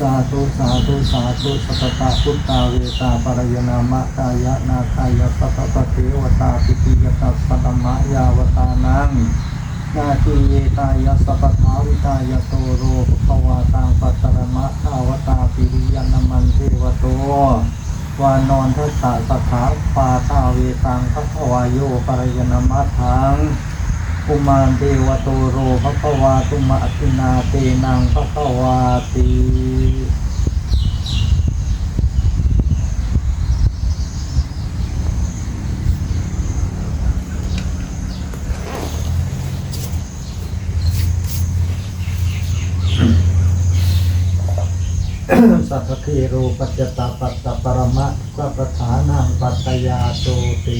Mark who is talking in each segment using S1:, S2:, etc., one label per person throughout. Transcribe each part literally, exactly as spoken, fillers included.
S1: าธุสาธุสาธุสัพพะพุทธาเวตาปรายนามะกายะนาคายะสัพพะเทวตาปิติยตัสสะธัมมะยาวตานังนาทีเยตายะสัพพะวิตายะโตโรภวาตังปัตตรมะทาวตาปิริยนามันเทวโตวานอนทัสสะสัทธาปาทาเวตังภควายโยปรายนามะทังอุมานเทวโตโรภควาตุมะตินาเตนังภควาติสัพพะโรปัจจตาปัตตปรมะสัพพฐานังปัตตยาโตติ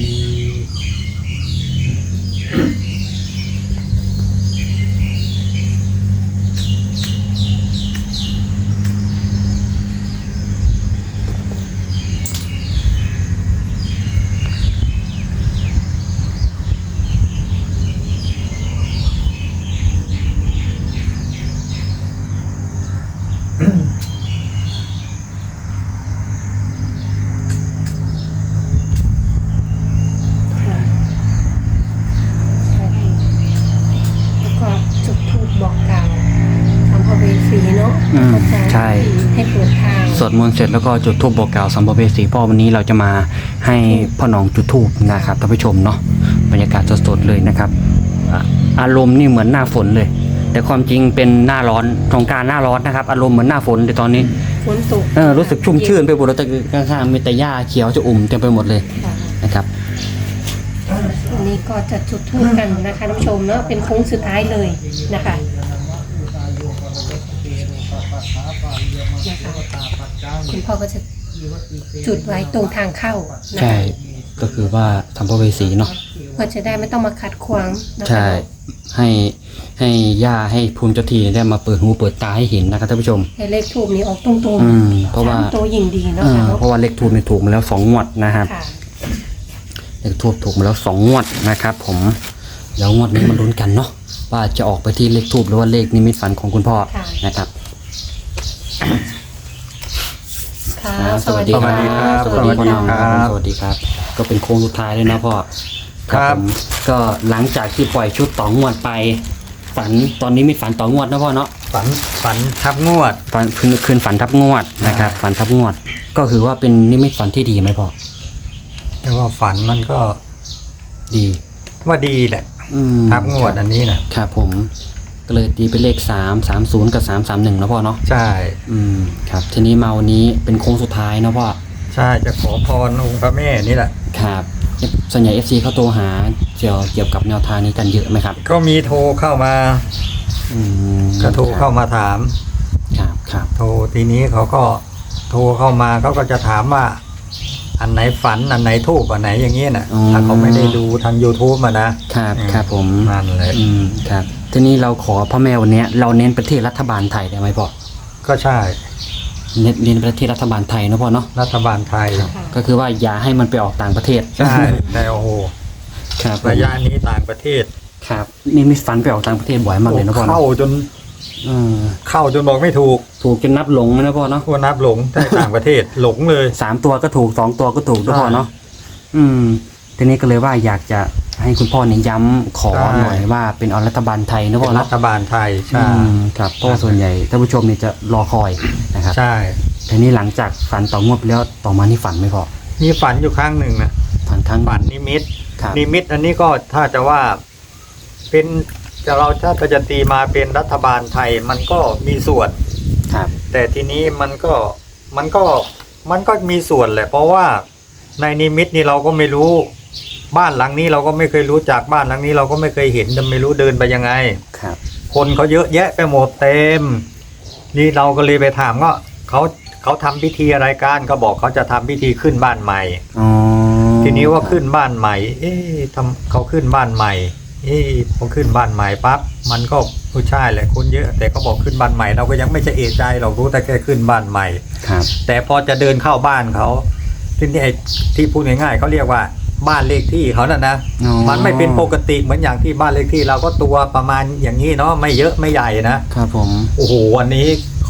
S2: ใช่ให้เปิดทางสวดมนต์เสร็จแล้วก็จุดธูปบอกกล่าวสัมภเวสีพ่อวันนี้เราจะมาให้พ่อหนองจุดธูปนะครับท่านผู้ชมเนาะบรรยากาศสดๆเลยนะครับอารมณ์นี่เหมือนหน้าฝนเลยแต่ความจริงเป็นหน้าร้อนสงกรานต์หน้าร้อนนะครับอารมณ์เหมือนหน้าฝนในตอนนี้
S3: ฝนตก
S2: เออรู้สึกชุ่มชื่นไปหมดแล้วแต่ข้างๆมีแต่หญ้าเขียวจะอุ่มเต็มไปหมดเลยนะครับ
S3: วันนี้ก็จะจุดธูปกันนะคะท่านผู้ชมเนาะเป็นโค้งสุดท้ายเลยนะคะคุณพ่อก็จะจุดไว้ตรงทางเข้า
S2: ใช่ก็คือว่าสัมภเวสีเนาะ
S3: เพื่อจะได้ไม่ต้องมาขัดขวาง
S2: ใช่ให้ให้ย่าให้ภูมิเจ้าที่ได้มาเปิดหูเปิดตาให้เห็นนะครับท่านผู้ชม
S3: ให้เลขทูบนี้ออกตรง
S2: ๆอืมเพราะว่า
S3: ตัวยิ่งดีเนาะ
S2: เพราะว่าเลขทูบนี่ถูกมาแล้วสองงวดนะครับเลขทูบถูกมาแล้วสองงวดนะครับผมแล้วงวดนี้มาลุ้นกันเนาะว่าจะออกไปที่เลขทูบหรือว่าเลขนิมิตฝันของคุณพ่อนะครับสวัสดีครับสวัสดีพ่อน้องครับสวัสดีครับก็เป็นโค้งสุดท้ายเลยนะพ่อครับก็หลังจากที่ปล่อยชุดต่องวดไปฝันตอนนี้มีฝันต่องวดนะพ่อเนาะ
S1: ฝันฝันทับงวด
S2: ฝันคืนคืนฝันทับงวดนะครับฝันทับงวดก็คือว่าเป็นนิมิตฝันที่ดีไหมพ่อ
S1: แต่ว่าฝันมันก็
S2: ดี
S1: ว่าดีแหละทับงวดอันนี้นะครับ
S2: ผมก็เลยตีเป็นเลขสามสามศูนย์กับสามสามหนึ่งนะพ่อเนาะ
S1: ใช่
S2: อืมครับทีนี้มาวันนี้เป็นโค้งสุดท้ายนะพ่อ
S1: ใช่จะขอพรองค์พระแม่นี่แหละ
S2: ครับส่วนใหญ่เอฟซีเขาโทรหาเกี่ยวเกี่ยวกับแนวทางนี้กันเยอะไหมครับ
S1: ก็มีโทรเข้ามา
S2: อืม
S1: ก็โทรเข้ามาถาม
S2: ครับครับ
S1: โทรทีนี้เขาก็โทรเข้ามาเขาก็จะถามว่าอันไหนฝันอันไหนทูบอันไหนอย่างเงี้ยน่ะถ้าเขาไม่ได้ดูทาง YouTube มานะครับ
S2: ครับผม
S1: นั่นเลย
S2: อืมครับทีนี้เราขอพ่อแม่วันนี้เราเน้นประเทศรัฐบาลไทยได้ไหมพ่อ
S1: ก็ใช่
S2: เน้นเน้นประเทศรัฐบาลไทยนะพ่อเนาะ
S1: รัฐบาลไทย
S2: ก็คือว่าอย่าให้มันไปออกต่างประเทศ
S1: ใช่แต่โอ้โห
S2: ครับ
S1: ระยะนี้ต่างประเทศ
S2: ครับนี่มีฟันไปออกต่างประเทศบ่อยมากเลยนะพ่อ
S1: เข้าจนเข้าจนบอกไม่ถูก
S2: ถูกจนนับหลงนะพ่อเนาะ
S1: พวกนับหลงแต่ต่างประเทศหลงเลย
S2: สามตัวก็ถูกสองตัวก็ถูกนะพ่อเนาะอืมทีนี้ก็เลยว่าอยากจะให้คุณพ่อเนี่ยย้ำขอหน่อยว่าเป็นเอารัฐบาลไทยนะพ่อ
S1: รัฐบาลไทยใช่
S2: ครับเพราะส่วนใหญ่ท่านผู้ชมเนี่ยจะรอคอยนะครับ
S1: ใช่
S2: ทีนี้หลังจากฝันต่องวดแล้วต่อมานี่ฝันไม่พอ
S1: มีฝันอยู่ครั้งหนึ่งนะ
S2: ฝันครั้ง
S1: ฝันนิมิตนิมิตอันนี้ก็ถ้าจะว่าเป็นจะเราถ้าจะตีมาเป็นรัฐบาลไทยมันก็มีส่วน
S2: ครับ
S1: แต่ทีนี้มันก็มันก็มันก็มีส่วนแหละเพราะว่าในนิมิตนี่เราก็ไม่รู้บ้านหลังนี้เราก็ไม่เคยรู้จักบ้านหลังนี้เราก็ไม่เคยเห็นจะไม่รู้เดินไปยังไง
S2: ครับ
S1: คนเขาเยอะแยะไปหมดเต็มนี่เราก็เลยไปถามว่าเขาเขาทำพิธีอะไรกันก็บอกเขาจะทำพิธีขึ้นบ้านใหม่ทีนี้ว่าขึ้นบ้านใหม่เอ๊ะทำเขาขึ้นบ้านใหม่เอ๊ะพอขึ้นบ้านใหม่ปั๊บมันก็ผู้ชายแหละคนเยอะแต่เขาบอกขึ้นบ้านใหม่เราก็ยังไม่ใช่เอะใจเรารู้แต่แค่ขึ้นบ้านใหม่
S2: ครับ
S1: แต่พอจะเดินเข้าบ้านเขาที่นี่ที่พูดง่ายๆเขาเรียกว่าบ้านเลขที่เขาน่ะนะมันไม่เป็นปกติเหมือนอย่างที่บ้านเลขที่เราก็ตัวประมาณอย่างนี้เนาะไม่เยอะไม่ใหญ่นะครับ
S2: ผม
S1: โอ้โหวันนี้ข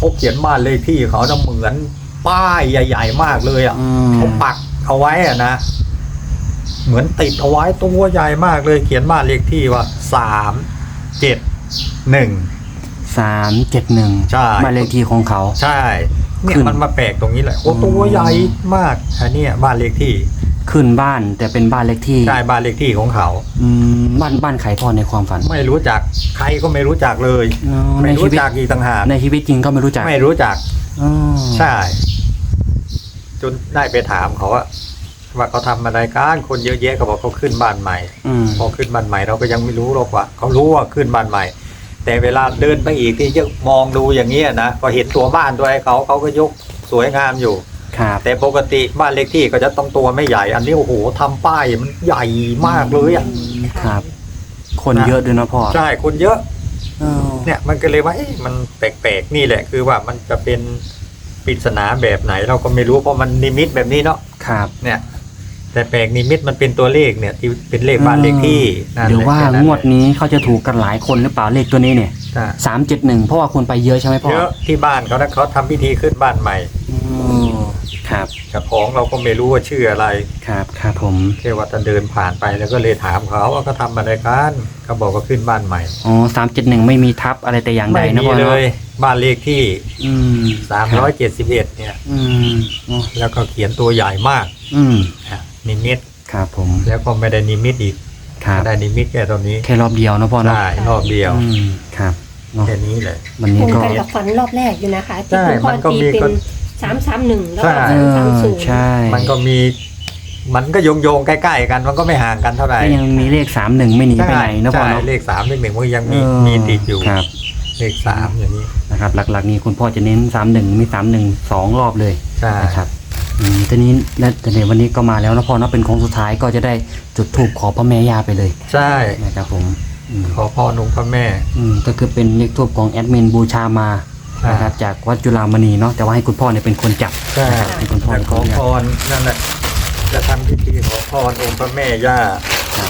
S1: เขาเขียนบ้านเลขที่เขาจะเหมือนป้ายใหญ่ๆมากเลยอ่ะ
S2: อืม
S1: เขาปักเอาไว้อ่ะนะเหมือนติดเอาไว้ตัวใหญ่มากเลย เขียนบ้านเลขที่ว่าสามเจ็ดหนึ่ง
S2: สามเจ็ดหนึ่ง
S1: ใช่
S2: บ้านเลขที่ของเขา
S1: ใช่เนี่ย
S2: ขึ้น
S1: มันมาแปลกตรงนี้แหละโอ้
S2: อืม
S1: ตัวใหญ่มากอันเนี้ยบ้านเลขที่
S2: ขึ้นบ้านแต่เป็นบ้านเลขที่
S1: ใช่บ้านเลขที่ของเขา
S2: อืมบ้านบ้านไขพ่อในความฝัน
S1: ไม่รู้จักใครก็ไม่รู้จักเลย
S2: อ๋อ
S1: ไม่
S2: ในชี
S1: รู้
S2: วิต
S1: จักอีกต่างหาก
S2: ในชีวิตจริงก็ไม่รู้จัก
S1: ไม่รู้จัก
S2: อ๋อ
S1: ใช่ จนได้ไปถามเขาว่าว่าเขาทำอะไรกันคนเยอะแยะเขาบอกเขาขึ้นบ้านใหม่
S2: อืม
S1: พอขึ้นบ้านใหม่เราก็ยังไม่รู้หรอกว่าเขารู้ว่าขึ้นบ้านใหม่ แต่เวลาเดินไปอีกที่จะมองดูอย่างเงี้ยนะพอเห็นตัวบ้านตัวไอ้เขาเขาก็ยกสวยงามอยู่
S2: ครับ
S1: แต่ปกติบ้านเล็กที่ก็จะต้องตัวไม่ใหญ่ อันนี้โอ้โหทำป้ายมันใหญ่มากเลยอ่ะ
S2: ครับ คนเยอะด้วยนะพ่อ
S1: ใช่คนเยอะ
S2: เออ
S1: เนี่ยมันก็เลยว่าเอ๊ะมันแปลกๆนี่แหละคือว่ามันจะเป็นปริศนาแบบไหนเราก็ไม่รู้เพราะมันนิมิตแบบนี้เนาะ
S2: ครับ
S1: เนี่ย แต่แปลกนิมิตมันเป็นตัวเลขเนี่ยที่เป็นเลขบ้านเลขที่นั่น
S2: หรือว่า
S1: แค่นั้น
S2: งวดนี้เขาจะถูกกันหลายคนหรือเปล่าเลขตัวนี้เนี่ย
S1: ใช่
S2: สามเจ็ดหนึ่งเพราะว่าคนไปเยอะใช่ไหมพ่อ
S1: เยอะที่บ้านเขานะเขาทำพิธีขึ้นบ้านใหม่
S2: อืมครับ
S1: กับของเราก็ไม่รู้ว่าชื่ออะไร
S2: ครับครับผม
S1: แค่ว่าจะเดินผ่านไปแล้วก็เลยถามเขาว่าเขาทำอะไรกันเขาบอกว่าขึ้นบ้านใหม่
S2: อ๋อสามเจ็ดหนึ่งไม่มีทับอะไรแต่อย่างใด
S1: ไม่
S2: นะ
S1: มี
S2: พ่อ
S1: เล
S2: เนาะ
S1: ยบ้านเลขที่
S2: อืม
S1: สามร้อยเจ็ดสิบเอ็ดเนี่ย
S2: อืมอ๋อ
S1: แล้วก็เขียนตัวใหญ่มาก
S2: อืม
S1: นะนิมิต
S2: ครับผม
S1: แล้วก็ไม่ได้นิมิตอีก
S2: ครับ
S1: ได้นิมิตแค่ตรงนี้
S2: แค่รอบเดียวนะพ่อเนาะ
S1: ได้รอบเดียว
S2: อืมครับเนาะ
S1: แค่นี้เลย
S2: วัน
S3: ต
S2: นี้
S3: รง
S2: ก็
S3: กันกับฝันรอบแรกอยู่นะคะที่
S1: ใช่
S3: คุณพ่อ
S1: มันก็
S3: ตี
S1: มี
S3: เป็
S1: คน น
S3: สามสามหนึ่งแล้ว
S1: ใช่
S3: ก็
S2: เอ
S3: สามสาม
S2: อ
S3: ศูนย์
S2: ใช่
S1: มันก็มี มันก็โยงโยงๆใกล้ๆกัน มันก็ไม่ห่างกันเท่าไหร่
S2: ก็ยังมีเลขสามหนึ่งไม่หนีไปไหนนะพ่อ
S1: ใช่
S2: เนาะ
S1: เลขสามเลขหนึ่งมันยังมี
S2: เออ
S1: มีติดอยู่
S2: ครับ
S1: เลขสามอย่างนี้
S2: นะครับ หลักๆนี่คุณพ่อจะเน้นสามหนึ่งมีสามหนึ่งสองรอบเลย
S1: ใช่
S2: นะครับอืมทีนี้และแต่ในวันนี้ก็มาแล้วนะพ่อเนาะเป็นโค้งสุดท้ายก็จะได้จุดธูปขอพระแม่ย่าไปเลย
S1: ใช่
S2: นะครับผมอืม
S1: ขอพรองค์พระแม่
S2: อืมก็คือเป็นเลขทูปของแอดมินบูชามา
S1: ใช่
S2: นะครับจากวัดจุฬามณีเนาะแต่ว่าให้คุณพ่อเนี่ยเป็นคนจับ
S1: ใช่
S2: นะครับให้คุณพ่อ
S1: แต่
S2: เป็น
S1: ข
S2: ค
S1: อน
S2: จั
S1: พ
S2: บ
S1: รนั่นแหละจะทำพิธีขอพรองค์พระแม่ย่า
S2: ครับ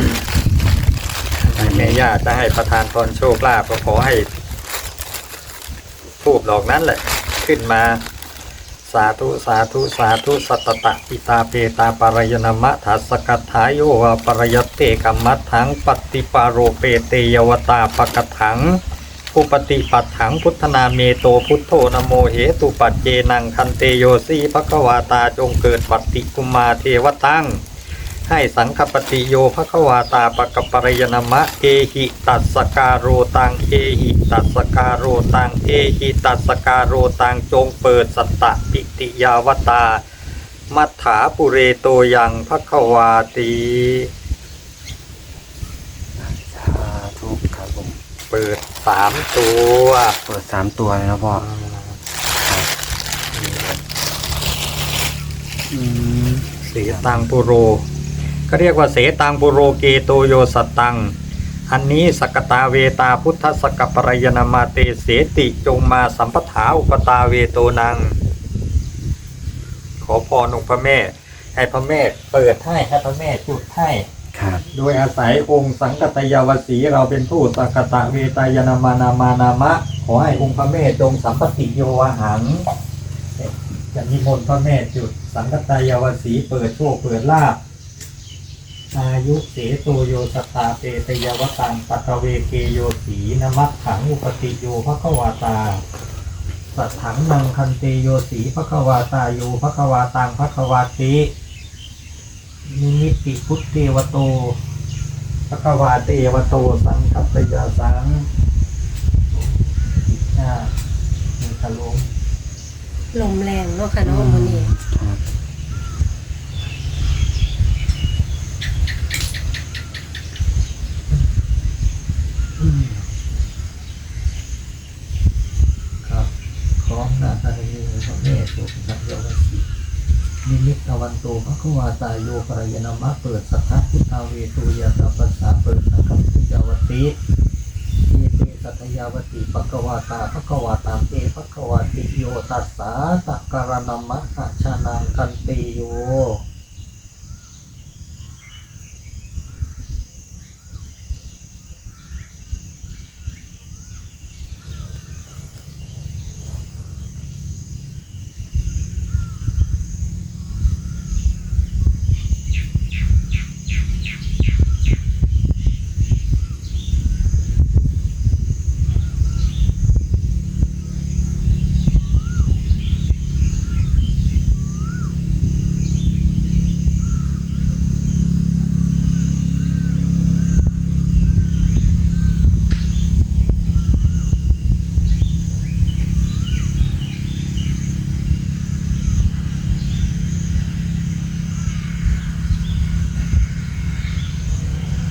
S1: ให้แม่ย่าจะให้ประทานพรโชคลาภก็ขอให้ทูบดอกนั้นแหละ ขึ้นมา สาธุสาธุสาธุสัตตตะปิตาเปตาปารายนามะทัสสกัตถายโยวาปรยตเตกัมมัตถังปฏิปาโรเปเตยวตาปกถังอุปติปัฏถังพุทธนาเมโตพุทโธนะโมเหตุปัจเจนังคันเตโยสีภควาตาจงเกิดปัตติกุมาเทวตังให้สังคปฏิโยภควาตาปกปรยนามะเอหิตัสสการโรตังเอหิตัสสการโรตังเอหิตัสสการโรตังจงเปิดสัตตะปิติยาวตามัฏฐาปุเรโตยังภควาตี
S2: สาธุครับผม
S1: เปิดสามตัว
S2: เปิดสามตัวเลยนะพ่ออืม
S1: เสตังปุโรก็เรียกว่าเสตังปุโรเกโตโยสัตตัง อันนี้สกตาเวตาพุทธสกปรยนามาเตเสติจงมาสัมปถาอุปตาเวโตนัง ขอพรองค์พระแม่ ให้พระแม่เปิดให้ให้พระแม่จุดให้
S2: ครับ
S1: โดยอาศัยองค์สังกตยาวสีเราเป็นผู้สังกตะเวตายนามานามานามะ ขอให้องค์พระแม่จงสัมปติโยวหังจะนิมนต์พระแม่จุดสังกตยาวสีเปิดโชคเปิดลาภอายุเสโตโยสตตาเปตยวตังปัตเวเกโยสีนมัตถังอุปติโยภควาตาสัทถังนังคันเตโยสีภควาตาโยภควาตังภควาตินิมิติพุทธเทวโตภควาเตวโตสังคัปปยาสังอ่ามีทะลุ
S3: ลมแรงเนาะค่ะเนาะวันนี้
S2: ครับ
S1: ครับพร้อมหน้าตาในมือพระแม่สุสังยาวสีนิมิตอวันโตภควาตาโยปรายนามะเปิดสัทธพุทธาเวตุยาตาปัสสาเปิดสังฆปิยาวติเยเตสัทยาวติภควาตาภควาตามเตภควาติโยตัสสาตักการนามะหะชานังคันเตโย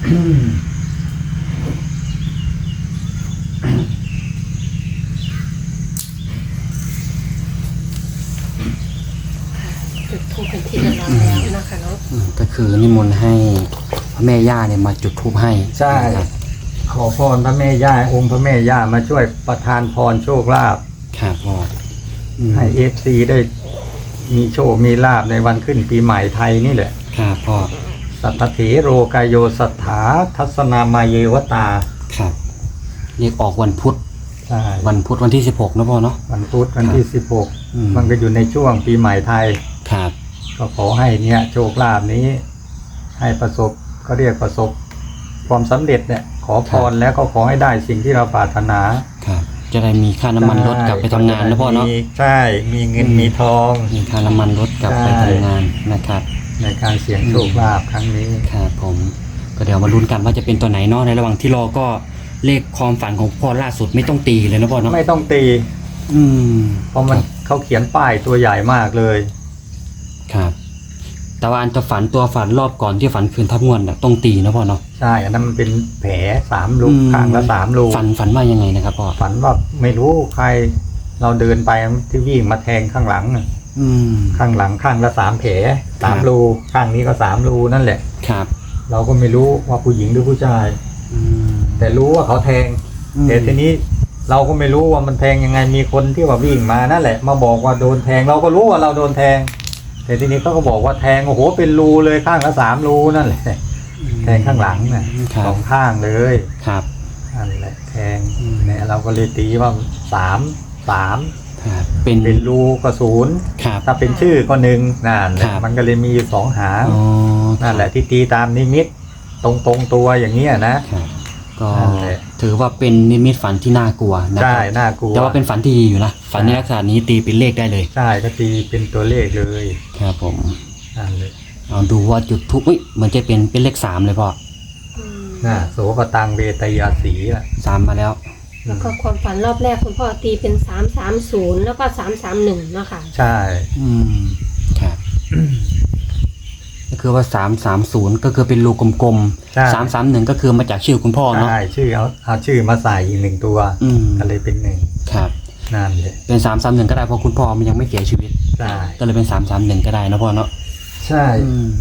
S3: จุดธูปเป็นที่เรียบร้อยแล้วนะคะเนาะ
S2: อืมก็คือนิมนต์ให้พระแม่ย่าเนี่ยมาจุดธูปให้
S1: ใช่
S2: นะครับ
S1: ขอพรพระแม่ย่าองค์พระแม่ย่ามาช่วยประทานพรโชคลาภ
S2: ครับพ่ออืม
S1: ให้เอฟซีได้มีโชคมีลาภในวันขึ้นปีใหม่ไทยนี่แหละ
S2: ครับพ่อ
S1: สัทธเถโรกายโยสัทธาทัศนามาเยวตา
S2: ครับเรียกออกวันพุธ
S1: ใช่
S2: วันพุธวันที่สิบหกนะพ่อเนาะ
S1: วันพุธวันที่สิบหก
S2: อืม
S1: มันก็อยู่ในช่วงปีใหม่ไทย
S2: ครับ
S1: ก็ขอให้เนี่ยโชคลาภนี้ ให้ประสบก็เรียกประสบความสำเร็จเนี่ย ขอพรแล้วก็ขอให้ได้สิ่งที่เราปรารถนา
S2: ครับ จะได้มีค่าน้ำมันรถกลับไปทำงานนะพ่อเนาะ
S1: มีใช่ มีเงิน
S2: อืม
S1: มีทอง
S2: มีค่าน้ำมันรถกลับไป
S1: ใช่
S2: ทำงานนะครับ
S1: ในการเสี่ยงโชคลาภครั้งนี้
S2: ครับผมก็เดี๋ยวมาลุ้นกันว่าจะเป็นตัวไหนเนาะในระหว่างที่รอก็เลขความฝันของพ่อล่าสุดไม่ต้องตีเลยนะพ่อเนาะ
S1: ไม่ต้องตี
S2: อืม
S1: เพราะมันเขาเขียนป้ายตัวใหญ่มากเลย
S2: ครับ แต่ว่าอันจะฝันตัวฝันรอบก่อนที่ฝันคืนทับงวดน่ะต้องตีนะพ่อเนาะ
S1: ใช่ อันนั้นมันเป็นแผลสามรู
S2: อืม
S1: ข้างละสามรู
S2: ฝันฝันว่ายังไงนะครับพ่อ
S1: ฝันว่าไม่รู้ใคร เราเดินไปที่วิ่งมาแทงข้างหลังน่ะ
S2: อืม
S1: ข้างหลังข้างละสามแผลสาม
S2: ครับ
S1: รูข้างนี้ก็สามรูนั่นแหละ
S2: ครับ
S1: เราก็ไม่รู้ว่าผู้หญิงหรือผู้ชาย
S2: อืม
S1: แต่รู้ว่าเขาแทง
S2: อืม
S1: แต่ทีนี้เราก็ไม่รู้ว่ามันแทงยังไงมีคนที่ว่าวิ่งมานั่นแหละ มาบอกว่าโดนแทงเราก็รู้ว่าเราโดนแทง แต่ทีนี้เขาก็บอกว่าแทงโอ้โหเป็นรูเลยข้างละสามรูนั่นแหละแทงข้างหลังน่ะ
S2: ครั
S1: ส
S2: บ
S1: องข้างเลย
S2: ครับ
S1: นั่นแหละแทง
S2: อืม
S1: เนี่ยเราก็เลยตีว่าสามสาม
S2: ครับเป็น
S1: เป็นรูก็ศูนย์
S2: ครับ
S1: ถ้าเป็นชื่อก็หนึ่งนั่นแหละ
S2: ครับ
S1: มันก็เลยมีอยู่สองหาง
S2: อ๋อ
S1: นั่นแหละที่ตีตามนิมิตตรงตรงๆตัวอย่างเงี้ยนะ
S2: ครับก็
S1: นั่นแหละ
S2: ถือว่าเป็นนิมิตฝันที่น่ากลัวนะค
S1: ใช่
S2: รับ
S1: น่ากลัว
S2: แต่ว่าเป็นฝันที่ดีอยู่นะฝันในลักษณะนี้ตีเป็นเลขได้เลย
S1: ใช่ก็ตีเป็นตัวเลขเลย
S2: ครับผม
S1: นั่นเลย
S2: เอาดูว่าจุดทุกอุ้ยเหมือนจะเป็นเป็นเลขสามเลยพ่อ
S3: อืม
S1: น่ะโสปตังเวตยาสีอ่ะ
S2: สามมาแล้ว
S3: แล้วก็ความฝันรอบแรกคุณพ่อตีเป็นสามสามศูนย์แล้วก็สามสามหนึ่งเนาะค่ะ
S1: ใช่
S2: อืมครับก็คือว่าสามสามศูนย์ก็คือเป็นรูกลม
S1: ใช่
S2: ๆสามสามหนึ่งก็คือมาจากชื่อคุณพ่อเนาะ
S1: ใช่ชื่อเอาเอาชื่อมาใส่อีกหนึ่งตัว
S2: อืม
S1: ก็เลยเป็นหนึ่ง
S2: ครับ
S1: นั่นเลย
S2: เป็นสามสามหนึ่งก็ได้เพราะคุณพ่อมันยังไม่เสียชีวิต
S1: ใช่
S2: ก็เลยเป็นสามสามหนึ่งก็ได้นะพ่อเนาะ
S1: ใช่
S2: อืม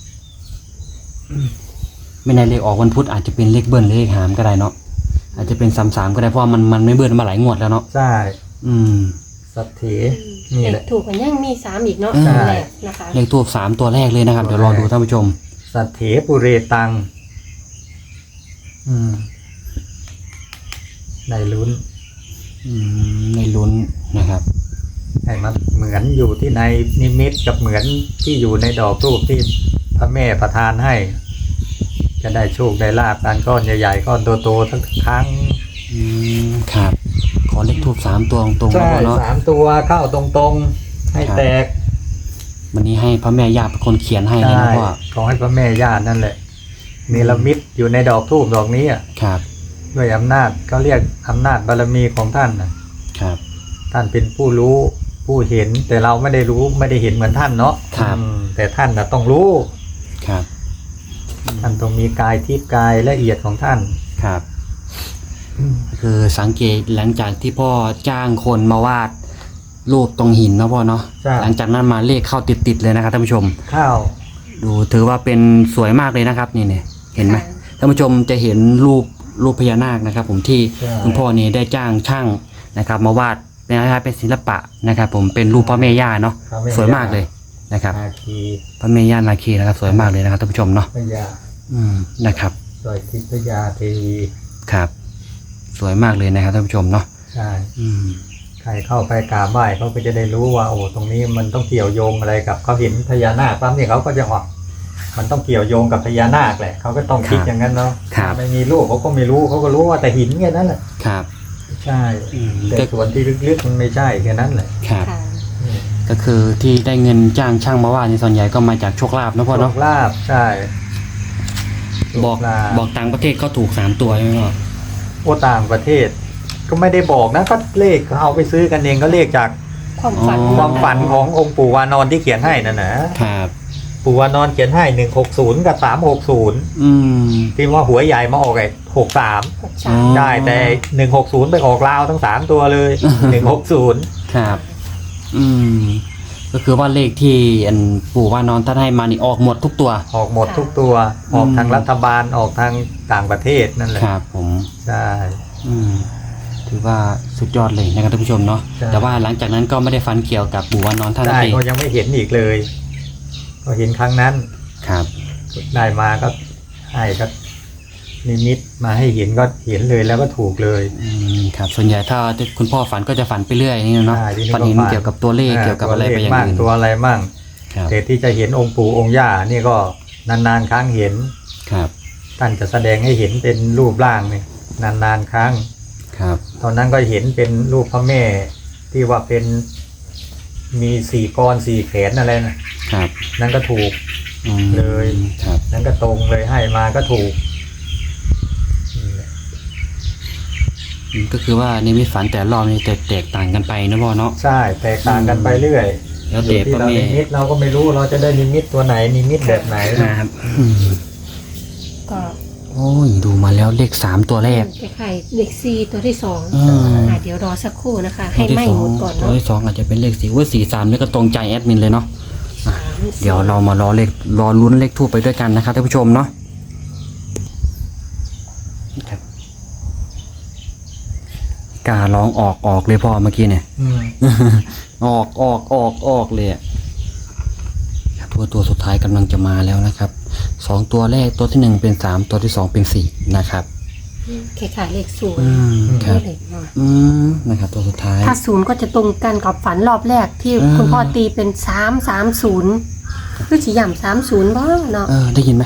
S2: ไม่ในเลขออกวันพุธอาจจะเป็นเลขเบิ้ลเลขหามก็ได้เนาะอาจจะเป็นสามสามก็ได้เพราะว่ามันมันไม่เบิ้ลมาหลายงวดแล้วเนาะ
S1: ใช่
S2: อืม
S1: สัทเถนี่
S3: เล
S1: แห
S3: ข
S1: ละ
S3: ถูกกันยังมีสามอีกเนาะ
S2: ใช่
S3: แรกนะคะ
S2: เลขทูบสามตัวแรกเลยนะครับ เดี๋ยวรอดูท่านผู้ชม
S1: สัทเถปุเรตัง อืมในลุ้น
S2: อืมในลุ้นนะครับ
S1: ให้มันเหมือนอยู่ที่ในนิมิตกับเหมือนที่อยู่ในดอกรูปที่พระแม่ประทานให้ จะได้โชคได้ลาบการก้อนใหญ่ๆก้อนโตๆทั้งครั้ง
S2: อืมครับ ขอเลขทูบสามตัวตรงๆนะ
S1: ใช่
S2: พ่อเนาะ
S1: สามตัวเข้าตรงๆ ให้
S2: ครับ
S1: แตก
S2: วันนี้ให้พระแม่ย่าเป็นคนเขียนให้เลย
S1: ใช่
S2: นะพ่อ
S1: ขอให้พระแม่ย่านั่นแหละเนรมิตอยู่ในดอกทูบดอกนี้อะ
S2: ครับ
S1: ด้วยอำนาจเขาเรียกอำนาจบารมีของท่านนะครับ ท่านเป็นผู้รู้ผู้เห็น แต่เราไม่ได้รู้ไม่ได้เห็นเหมือนท่านเนาะ
S2: ครับ
S1: อืมแต่ท่านนะต้องรู้
S2: ครับ
S1: ท่านต้องมีกายทิพย์กายละเอียดของท่าน
S2: ครับ คือสังเกตหลังจากที่พ่อจ้างคนมาวาดรูปตรงหินนะพ่อเนาะ
S1: ใช่
S2: หลังจากนั้นมาเลขเข้าติดๆเลยนะครับท่านผู้ชม
S1: ข้าว
S2: ดูถือว่าเป็นสวยมากเลยนะครับนี่เนี่ยเห็นไหม
S3: ค่ะ
S2: ท่านผู้ชมจะเห็นรูปรูปพญานาคนะครับ ผมที่
S1: ใช่
S2: คุณพ่อนี่ได้จ้างช่างนะครับ มาวาดเป็นอะไรเป็นศิลปะนะครับ ผมเป็นรูปพระแม่ย่าเนาะ
S1: พระแม่
S2: สวยมากเลยนะครับ
S1: นาคี
S2: พระแม่ย่านาคีนะครับ สวยมากเลยนะครับท่านผู้ชมเนาะ
S1: พญา
S2: อืมนะครับ
S1: สวยทิพยาเทวี
S2: ครับ สวยมากเลยนะครับท่านผู้ชมเนาะ
S1: ใช่
S2: อืม
S1: ใครเข้าไปกราบไหว้เขาก็จะได้รู้ว่าโอ้ตรงนี้มันต้องเกี่ยวโยงอะไรกับเขาเห็นพญานาคปั๊บเนี่ยเขาก็จะออกมันต้องเกี่ยวโยงกับพญานาคแหละเขาก็ต้องคิดอย่างนั้นเนาะ
S2: ครับ
S1: ไม่มีรูปเขาก็ไม่รู้เขาก็รู้ว่าแต่หินแค่นั้นแหละ
S2: ครับ
S1: ใช่
S2: อืม
S1: แต่
S2: ก็
S1: ส่วนที่ลึกๆมันไม่ใช่แค่นั้นแหละ
S2: ครับ
S3: ค่ะ
S1: อืม
S2: ก็คือที่ได้เงินจ้างช่างมาวาดในส่วนใหญ่ก็มาจากโชคลาภนะพ่อ
S1: โช
S2: เนาะ
S1: คลาภใช่
S2: บอก
S1: โชคลาภ
S2: บอกต่างประเทศก็ถูกสามตัวใช่ไหมพ่อ
S1: โอ้ต่างประเทศ ก็ไม่ได้บอกนะก็เลขเขาเอาไปซื้อกันเองก็เลขจาก
S3: ความฝัน
S1: ความฝันขององค์ปู่วานอนที่เขียนให้นั่นนะครับ อืปู่วานอนเขียนให้หนึ่งหกศูนย์กับสามหกศูนย์
S2: อืม
S1: ที่ว่าหัวใหญ่มาออกไอ้หกสาม
S3: หก
S2: อ๋
S3: สา
S2: อ
S3: ม
S1: ได้แต่หนึ่งหกศูนย์ไปออกลาวทั้งสามตัวเลยหนึ่งหกศูนย์
S2: ครับ อืม ก็คือว่าเลขที่อันปู่ว่านอนท่านให้มานี่ออกหมดทุกตัว
S1: ออกหมดทุกตัวออกทางรัฐบาลออกทางต่างประเทศนั่นแหละ
S2: ครับผม
S1: ใช่
S2: อืม ถือว่าสุดยอดเลยนะครับท่านผู้ชมเนาะ
S1: ใช่
S2: แต่ว่าหลังจากนั้นก็ไม่ได้ฝันเกี่ยวกับปู่ว่านอนท่าน
S1: ได้
S2: เอง
S1: ก็ยังไม่เห็นอีกเลย ก็เห็นครั้งนั้น
S2: ครับ
S1: ได้มาก็ให้ก็นิมิตมาให้เห็นก็เห็นเลยแล้วก็ถูกเลย
S2: อืม ครับ ส่วนใหญ่ถ้าคุณพ่อฝันก็จะฝันไปเรื่อยนี่เนาะ
S1: ใช่ที่นี่
S2: ฝันเห็น
S1: ก็ฝัน
S2: เกี่ยวกับตัวเลขเกี่ยวกับอะไรไปอย่าง
S1: มั่ง
S2: อื่น
S1: ตัวอะไรมั่ง
S2: ครับ
S1: แต่ที่จะเห็นองค์ปู่องค์ย่านี่ก็นานๆครั้งเห็น
S2: ครับ
S1: ท่านจะแสดงให้เห็นเป็นรูปร่างนี่นานๆครั้ง
S2: ครับ
S1: ตอนนั้นก็เห็นเป็นรูปพระแม่ที่ว่าเป็นมีสี่กรสี่แขนอะไรนะครับ นั่นก็ถูก
S2: อืม
S1: เลย
S2: ครับ
S1: นั่นก็ตรงเลยให้มาก็ถูกนี่แหละ
S2: อืมก็คือว่านิมิตฝันแต่รอบนี้แตกแตกต่างกันไปนะพ่อเนาะ
S1: ใช่แตกต่างกันไปเรื่อย
S2: แล้ว
S1: อ
S2: แต่
S1: ยู่ที่
S2: พ่อ
S1: เรา
S2: แม่
S1: นิมิตเราก็ไม่รู้เราจะได้นิมิตตัวไหนนิมิตแบบไหน
S2: ครับอืม
S3: ก็
S2: โอ้ยดูมาแล้วเลขสามตัวแรก
S3: คล้ายๆเลขสี่ตัวที่สอง
S2: อืม
S3: อ่ะเดี๋ยวรอสักครู่นะคะ ให้ไหม้หมดก่อน
S2: ตัว
S3: เนาะ
S2: ที่สองอาจจะเป็นเลขสี่ว่าสี่สามนี่ก็ตรงใจแอดมินเลยเนาะ
S3: สามสี่
S2: เดี๋ยวเรามารอเลขรอลุ้นเลขทูปไปด้วยกันนะครับท่านผู้ชมเนาะครับการ้องออกออกเลยพ่อเมื่อกี้เนี่ย
S1: อืม
S2: ออกออกออกออกเลยอะครับตัวตัวสุดท้ายกำลังจะมาแล้วนะครับสองตัวแรกตัวที่หนึ่งเป็นสามตัวที่สองเป็นสี่นะครับ
S3: คล้ายๆเลขศูนย์
S2: อืมครับ
S3: เลขเนาะ
S2: อืมนะครับ ตัวสุดท้าย
S3: ถ้าศูนย์ก็จะตรงกันกับฝันรอบแรกที่
S2: อืม
S3: คุณพ่อตีเป็นสามสามศูนย์คือสีย่ำสามศูนย์บ้างเนาะ
S2: เออได้ยินไหม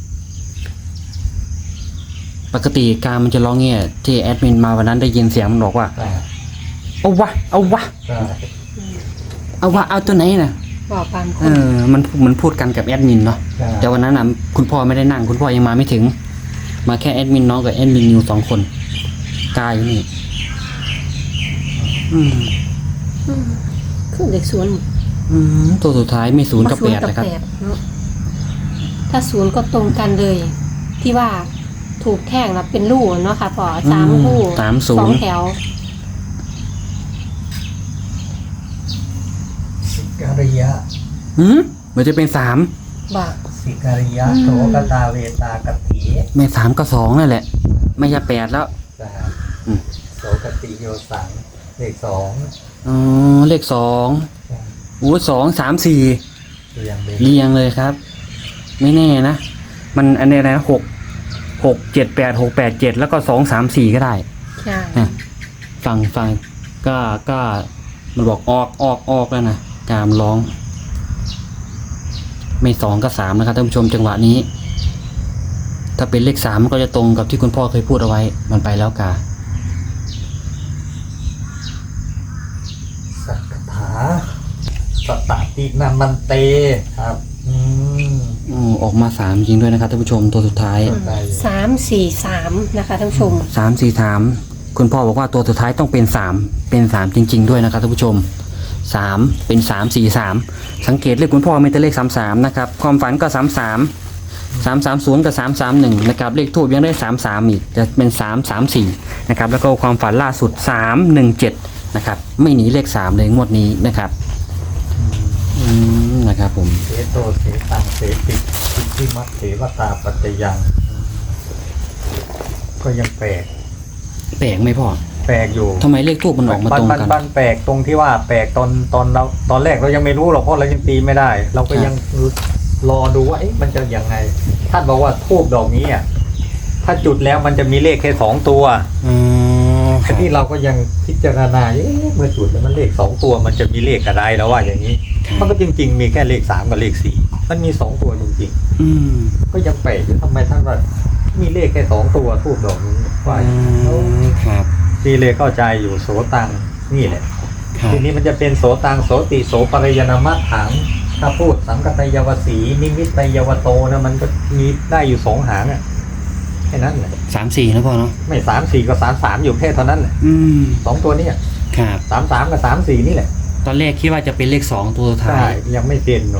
S2: ปกติการมันจะร้องเงี้ยที่แอดมินมาวันนั้นได้ยินเสียงมันบอกว่า
S1: ใช่
S2: เอาวะเอาวะ
S1: ใช่
S2: เอาวะเอาตัวไหนน่ะ
S3: บอกบางค
S2: เอน อมันมันพูดกันกับแอดมินเนาะ
S1: ใช่
S2: แต่วันนั้นน่ะคุณพ่อไม่ได้นั่ง คุณพ่อยังมาไม่ถึง มาแค่แอดมินน้องกับแอดมินนิวสองคนกายอยู่นี่ อืม
S3: อืมคือเลขศูนย์
S2: อืมตัวสุดท้ายมีศูนย์กับแปด
S3: ศู
S2: เลยครับ
S3: แปดเนาะถ้าศูนย์ก็ตรงกันเลย ที่ว่าถูกแท่งแล้วเป็นลูกเนาะค่ะพอสามลูก
S2: สามศู
S3: สอน ง
S2: ย์
S3: แถว
S1: สิการิยะ
S2: อืมมันจะเป็นสาม
S3: บอก
S1: สิการิยะ
S3: อืม
S1: โสกตาเวตากติ
S2: ไม่สามก็สองนั่นแหละ ไม่ใช่แปดแล้ว
S1: ใช่
S2: อืม
S1: โสกติโยสังเลขสอง
S2: อ๋อเลขสองโอ้สองสามสี่
S1: เรียงเลย
S2: เรียงเลยครับ ไม่แน่นะ มันอันนี้อะไรนะหกหกเจ็ดแปดหกแปดเจ็ดแล้วก็สองสามสี่ก็ได้
S3: ใช่
S2: อ่ะฟังฟังก็ก็มันบอกออกออกออกแล้วนะกามร้อง ไม่สองก็สามนะครับท่านผู้ชมจังหวะนี้ ถ้าเป็นเลขสามมันก็จะตรงกับที่คุณพ่อเคยพูดเอาไว้ มันไปแล้วกา
S1: สักถาสตตินามันเตครับอืม
S2: อืมออกมาสามจริงด้วยนะครับท่านผู้ชมตัวสุดท้าย
S3: อืมสามสี่สามนะคะท่านผู้ชม
S2: สามสี่สามคุณพ่อบอกว่าตัวสุดท้ายต้องเป็นสามเป็นสามจริง ๆ ด้วยนะครับท่านผู้ชมสามเป็นสามสี่สามสังเกตเลขคุณพ่อมีแต่เลขสามสามนะครับความฝันก็สามสามสามสามศูนย์กับสามสามหนึ่งนะครับเลขทูบยังได้สามสามอีกจะเป็นสามสามสี่นะครับแล้วก็ความฝันล่าสุดสามหนึ่งเจ็ดนะครับไม่หนีเลขสามเลยงวดนี้นะครับอืมนะครับผม
S1: เสโตเสตังเสติสิทธิมัตเถวตาปัจจยัง ก็ยังแปลก
S2: แปลกไหมพ่อ
S1: แปลกอยู่
S2: ทำไมเลขทูบมันออกมาตรงกัน
S1: มันแปลกตรงที่ว่าแปลกตอนตอนเราตอนแรกเรายังไม่รู้หรอกเพราะเรายังตีไม่ได้ เราก็ยังรอดูว่าเอ๊ะมันจะยังไงท่านบอกว่าทูบดอกนี้อ่ะถ้าจุดแล้วมันจะมีเลขแค่สองตัว
S2: อืมค
S1: ที
S2: รับ
S1: นี้เราก็ยังพิจารณาเอ๊ะเมื่อจุดแล้วมันเลขสองตัวมันจะมีเลขอะไรแล้วว่าอย่างนี้ มันก็จริง ๆ มีแค่เลขสามกับเลขสี่มันมีสองตัวจริง
S2: อืม
S1: ๆก็ยังแปลกอยู่ทำไมท่านว่ามีเลขแค่สองตัวทูบดอกนี้ว่า
S2: อืมครับ
S1: ทีเลยเข้าใจอยู่โสตังนี่แหละ
S2: ครับ
S1: ทีนี้มันจะเป็นโสตังโสติโสปริยนามัตถังถ้าพูดสังกตยวสีนิมิตยวโตนะมันก็มีได้อยู่สองหางอ่ะแค่นั้นแหละ
S2: สามสี่นะพ่อเนาะ
S1: ไม่สามสี่ก็สามสามอยู่แค่เท่านั้นแหละ
S2: อืม
S1: สองตัวเนี้
S2: ครับ
S1: สามสามกับสามสี่นี่แหละ
S2: ตอนแรกคิดว่าจะเป็นเลขสองตัวสุดท้า
S1: ใช่
S2: ย
S1: ยังไม่เต็นหรอก
S2: ค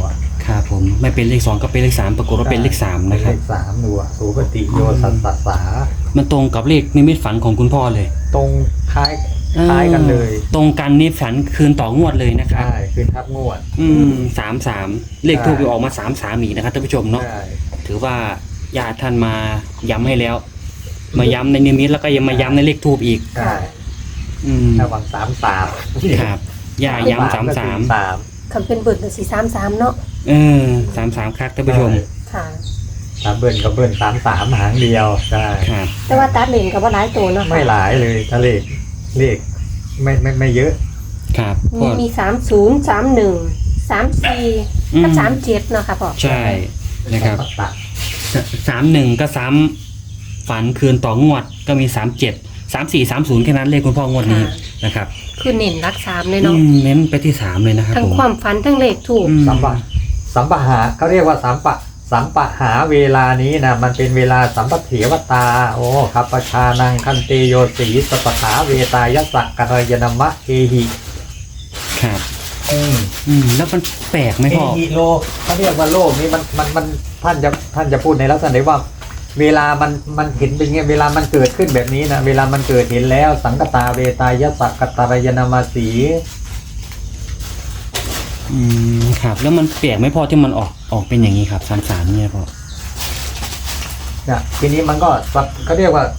S2: ครับผมไม่เป็นเลขสองก็เป็นเลขสามปรากฏว่าเป็นเลขสามนะครับ
S1: เลขสามดูอ่ะสุปฏิโยสัสสสา
S2: มันตรงกับเลขนิมิตฝันของคุณพ่อเลย
S1: ตรงคล้ายคล้ายกันเลย
S2: ตรงกันนี่ฝันคืนต่องวดเลยนะครับ
S1: ใช่คือทับงวด
S2: อืมสามสามเลขทูบออกมาสามสามอีกนะครับท่านผู้ชมเนาะ
S1: ใช่
S2: ถือว่าญาติท่านมาย้ำให้แล้ว มาย้ำในนิมิตแล้วก็ยังมาย้ำในเลขทูบอีก
S1: ใช่
S2: อืม
S1: ระหว่างสามสาม
S2: ครับย่าย้ำสามสาม
S1: สาม
S3: คำเป็นเบิดสี่สามสามเนาะ
S2: เออสามสามครับท่านผู้ชม
S3: ค่ะ
S1: สามเบิ้ลกับเบิ้ลสามสามหางเดียวใช่
S2: ครับ
S3: แต่ว่าตัดเลนกับว่าหลายตัวเนาะค่ะ
S1: ไม่หลายเลยถ้าเลขเลขไม่ไม่ไม่เยอะ
S2: ครับ
S3: มีมีสามศูนย์สามหนึ่งสามสี่กับสามเจ็ดเนาะค่ะพ่อ
S2: ใช่นะครับ
S1: ตัด
S2: สามหนึ่งก็ซ้ำฝันคืนต่องวดก็มีสามเจ็ดสามสี่สามศูนย์แค่นั้นเลขคุณพ่องวดนี้นะครับ
S3: คือเน้นรักสามเลย
S2: อื
S3: เนาะ
S2: มเน้นไปที่สามเลยนะครับ
S3: ทั้ง
S2: ผม
S3: ความฝันทั้งเลขถูก
S2: อืม
S1: สัมปะสัมปะหาเขาเรียกว่าสัมปะสัมปะหาเวลานี้นะมันเป็นเวลาสัมปะเถวตาโอ้ขับประชานังคันเตโยสีสปะหาเวตายสักกัลยนมะเอหิ
S2: ครับ
S1: อืม
S2: อืมแล้วมันแปลกไหม
S1: เอ
S2: พ่อ
S1: หิโลเขาเรียกว่าโลกนี้มันมันมันท่านจะท่านจะพูดในลักษณะว่า เวลามันมันเห็นเป็นไงเวลามันเกิดขึ้นแบบนี้นะเวลามันเกิดเห็นแล้วสังกตาเวตายสักกัตรยนามาสี
S2: อืมครับ แล้วมันแปลกไหมพ่อที่มันออกออกเป็นอย่างนี้ครับสามสามเนี่ยพ่อ
S1: เนี่ยทีนี้มันก็สับเขาเรียกว่า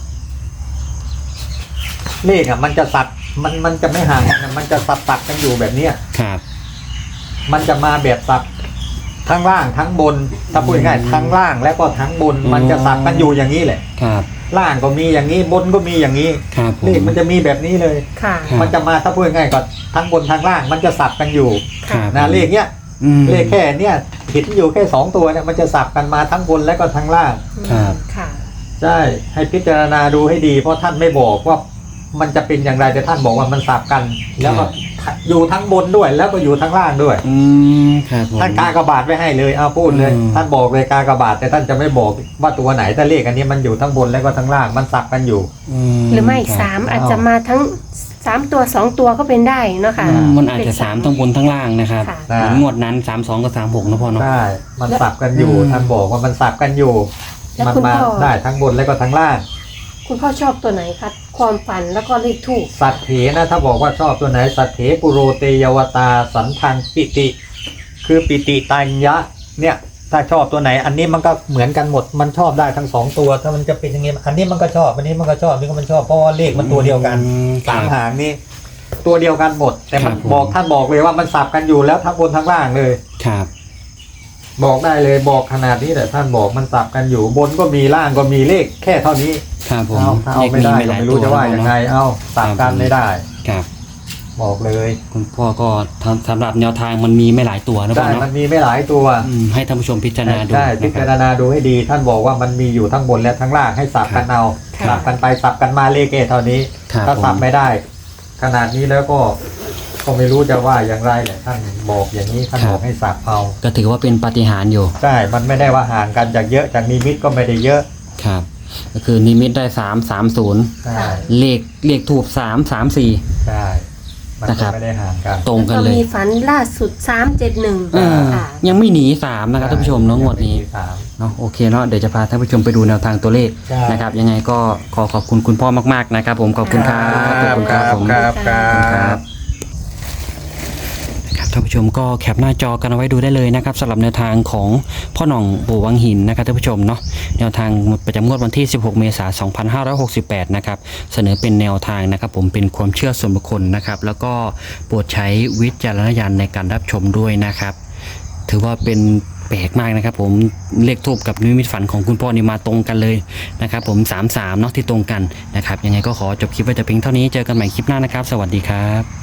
S1: เลขอ่ะมันจะสัตว์มันมันจะไม่ห่างกันนะมันจะสับตัดกันอยู่แบบเนี้ย
S2: ครับ
S1: มันจะมาแบบสับทั้งล่างทั้งบนถ้าพูดง่ายๆทั้งล่างแล้วก็ทั้งบน มันจะสับกันอยู่อย่างนี้แหละ
S2: ครับ
S1: ล่างก็มีอย่างนี้บนก็มีอย่างนี้
S2: ครับผม
S1: เลขมันจะมีแบบนี้เลย
S3: ค่ะ
S2: ครับ
S1: มันจะมาถ้าพูดง่ายๆก็ทั้งบนทั้งล่าง มันจะสับกันอยู่
S2: ครับ
S1: นะเลขเนี้ย
S2: อืม
S1: เลขแค่เนี้ยเห็นอยู่แค่สองตัวเนี่ยมันจะสับกันมาทั้งบนและก็ทั้งล่าง
S2: ครับ
S3: ค่ะ
S1: ใช่ให้พิจารณาดูให้ดีเพราะท่านไม่บอกว่ามันจะเป็นอย่างไรแต่ท่านบอกว่ามันสับกัน แล้วก็อยู่ทั้งบนด้วยแล้วก็อยู่ทั้งล่างด้วย
S2: อืมครับผม
S1: ท่านกากบาทไว้ให้เลยเอาพูดเลย
S2: อืม
S1: ท่านบอกเลยกากบาทแต่ท่านจะไม่บอกว่าตัวไหนแต่เลขอันนี้มันอยู่ทั้งบนแล้วก็ทั้งล่างมันสับกันอยู่
S3: หรือไม่
S2: คบ
S3: สามอาจจะมาทั้งสามตัวสองตัวก็เป็นได้เนาะค่ะ
S2: อืมมันอาจจะสามทั้งบนทั้งล่างนะครับ
S3: ค่ะ
S2: เหมือนงวดนั้นสามสองกับสามหกนะพ่อเนาะ
S1: ใช่มันสับกันอยู่
S2: อืม
S1: ท่านบอกว่ามันสับกันอยู่
S3: แล้ว
S1: มัน
S3: คุณ
S1: มา
S3: พ่อ
S1: ได้ทั้งบนแล้วก็ทั้งล่าง
S3: คุณพ่อชอบตัวไหนคะความฝันแล้วก็เลขถูก
S1: สัตเถนะถ้าบอกว่าชอบตัวไหนสัตเถปุโรเตยวตาสันทังปิติ คือปิติตัญญะเนี่ยถ้าชอบตัวไหน อันนี้มันก็เหมือนกันหมดมันชอบได้ทั้งสองตัวถ้ามันจะเป็นอย่างงี้อันนี้มันก็ชอบอันนี้มันก็ชอบอันนี้ก็มันชอบเพราะว่าเลขมันตัวเดียวกัน
S2: อืม
S1: สาม
S2: ครับ
S1: หางนี่ตัวเดียวกันหมด แต่มัน
S2: ครับผม
S1: บอกท่านบอกเลยว่ามันสับกันอยู่แล้วทั้งบนทั้งล่างเลย
S2: ครับ
S1: บอกได้เลยบอกขนาดนี้แต่ท่านบอกมันสับกันอยู่บนก็มีล่างก็มีเลขแค่เท่านี้
S2: ครับผม
S1: เอาถ้าเอาไม่ได้ก็ไม่รู้จะว่ายังไงเอาสับกันไม่ได้
S2: ครับ
S1: บอกเลย
S2: คุณพ่อก็ทำสำหรับแนวทางมันมีไม่หลายตัวนะพ่
S1: ใช่
S2: อเนาะ
S1: มันมีไม่หลายตัว
S2: อืมให้ท่านผู้ชมพิจารณาดู
S1: ใช่พิ
S2: นะค
S1: จาร
S2: รับ
S1: ณาดูให้ดี ท่านบอกว่ามันมีอยู่ทั้งบนและทั้งล่างให้สับกันเอา
S3: ครับ
S1: สับกันไปสับกันมาเลขแค่เท่านี้
S2: ครับ
S1: ถ้า
S2: ผม
S1: สับไม่ได้ ขนาดนี้แล้วก็ก็ไม่รู้จะว่าอย่างไรแหละท่านบอกอย่างนี้ท่านบอกให้สับเอา
S2: ก็ถือว่าเป็นปาฏิหาริย์อยู่
S1: ใช่ มันไม่ได้ว่าห่างกันจากเยอะจากนิมิตก็ไม่ได้เยอะ
S2: ครับ ก็คือนิมิตได้สามสามศูนย์
S1: ใช่
S2: เลขเลขถูกสามสามสี่
S1: ใช่ มัน
S2: นะครั
S1: ก็
S2: บ
S1: ไม่ได้ห่างกัน
S2: ตรงกัน
S3: ก็
S2: เลย
S3: มีฝันล่าสุดสามเจ็ดหนึ่ง
S2: เออ
S3: ค่ะ
S2: ยังไม่หนีสามนะครับท่านผู้ชมเน้องงวดนี้
S1: สาม
S2: เนาะโอเคเนาะเดี๋ยวจะพาท่านผู้ชมไปดูแนวทางตัวเลข
S1: ใช่
S2: นะครับ ยังไงก็ขอขอบคุณคุณพ่อมากๆนะครับ ผมขอบคุณครับขอบคุณครับผม
S1: ครับครั
S2: ครับ บครับท่านผู้ชมก็แคปหน้าจอกันเอาไว้ดูได้เลยนะครับสำหรับแนวทางของพ่อหน่องปู่วังหินนะครับท่านผู้ชมเนาะแนวทางประจำงวดวันที่สิบหกเมษายนสองพันห้าร้อยหกสิบแปดนะครับเสนอเป็นแนวทางนะครับผมเป็นความเชื่อส่วนบุคคลนะครับแล้วก็โปรดใช้วิจารณญาณในการรับชมด้วยนะครับถือว่าเป็นแปลกมากนะครับผมเลขทูบกับนิมิตฝันของคุณพ่อนี่มาตรงกันเลยนะครับผมสามสามเนาะที่ตรงกันนะครับยังไงก็ขอจบคลิปไว้แต่เพียงเท่านี้เจอกันใหม่คลิปหน้านะครับสวัสดีครับ